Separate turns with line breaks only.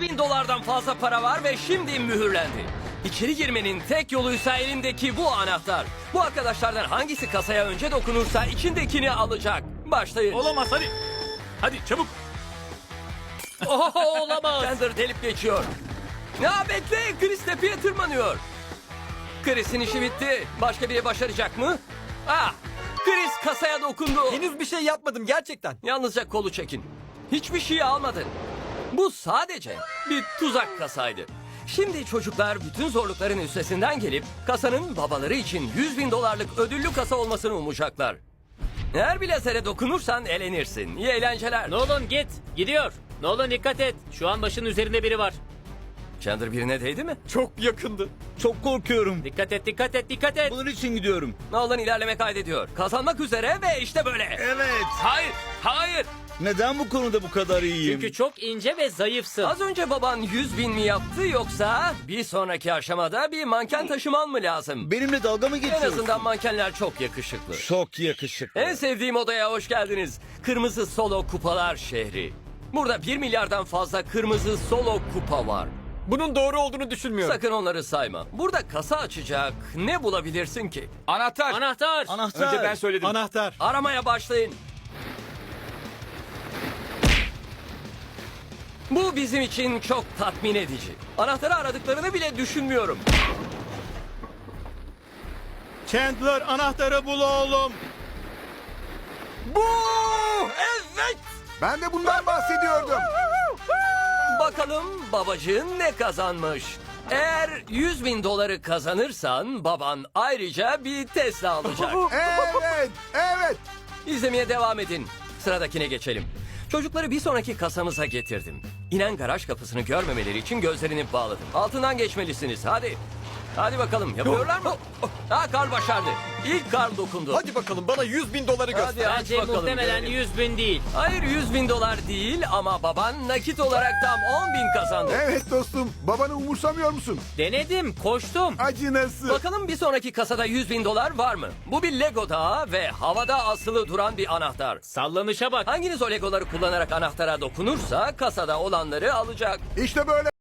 bin dolardan fazla para var ve şimdi mühürlendi. İçeri girmenin tek yoluysa elindeki bu anahtar. Bu arkadaşlardan hangisi kasaya önce dokunursa içindekini alacak. Başlayın.
Olamaz, hadi. Hadi çabuk.
Oho, olamaz. Chandler delip geçiyor. Ya bekle, Chris tepeye tırmanıyor. Chris'in işi bitti. Başka biri başaracak mı? Ah, Chris kasaya dokundu.
Henüz bir şey yapmadım gerçekten.
Yalnızca kolu çekin. Hiçbir şey almadın. Bu sadece bir tuzak kasaydı. Şimdi çocuklar bütün zorlukların üstesinden gelip kasanın babaları için 100 bin dolarlık ödüllü kasa olmasını umacaklar. Eğer bir lazere dokunursan elenirsin. İyi eğlenceler.
Nolan git. Gidiyor. Nolan dikkat et. Şu an başın üzerinde biri var.
Chandler birine değdi mi?
Çok yakındı.
Çok korkuyorum.
Dikkat et, dikkat et, dikkat et.
Bunun için gidiyorum.
Nolan ilerleme kaydediyor. Kazanmak üzere ve işte böyle.
Evet.
Hayır, hayır.
Neden bu konuda bu kadar iyiyim?
Çünkü çok ince ve zayıfsın.
Az önce baban 100 bin mi yaptı yoksa bir sonraki aşamada bir manken taşıman mı lazım?
Benimle dalga mı
En
geçiyorsun?
azından mankenler çok yakışıklı.
Çok yakışıklı.
En sevdiğim odaya hoş geldiniz. Kırmızı Solo Kupalar şehri. Burada 1 milyardan fazla kırmızı solo kupa var.
Bunun doğru olduğunu düşünmüyorum.
Sakın onları sayma. Burada kasa açacak ne bulabilirsin ki?
Anahtar.
Anahtar.
Anahtar.
Önce ben söyledim. Anahtar.
Aramaya başlayın. Bu bizim için çok tatmin edici. Anahtarı aradıklarını bile düşünmüyorum.
Chandler, anahtarı bul oğlum.
Bu! Evet!
Ben de bundan bahsediyordum.
Bakalım babacığın ne kazanmış? Eğer 100 bin doları kazanırsan baban ayrıca bir Tesla alacak.
Evet, evet.
İzlemeye devam edin. Sıradakine geçelim. Çocukları bir sonraki kasamıza getirdim. İnen garaj kapısını görmemeleri için gözlerini bağladım. Altından geçmelisiniz. Hadi. Hadi bakalım. Yapıyorlar mı? Ha, Karl başardı. İlk Karl dokundu.
Hadi bakalım bana 100 bin doları göster.
Hadi aç
Bence
bakalım.
muhtemelen
görelim.
100 bin değil.
Hayır, 100 bin dolar değil ama baban nakit olarak tam 10 bin kazandı.
Evet dostum, babanı umursamıyor musun?
Denedim, koştum.
Acınası.
Bakalım bir sonraki kasada 100 bin dolar var mı? Bu bir Lego dağı ve havada asılı duran bir anahtar.
Sallanışa bak.
Hanginiz o Legoları kullanarak anahtara dokunursa kasada olanları alacak.
İşte böyle.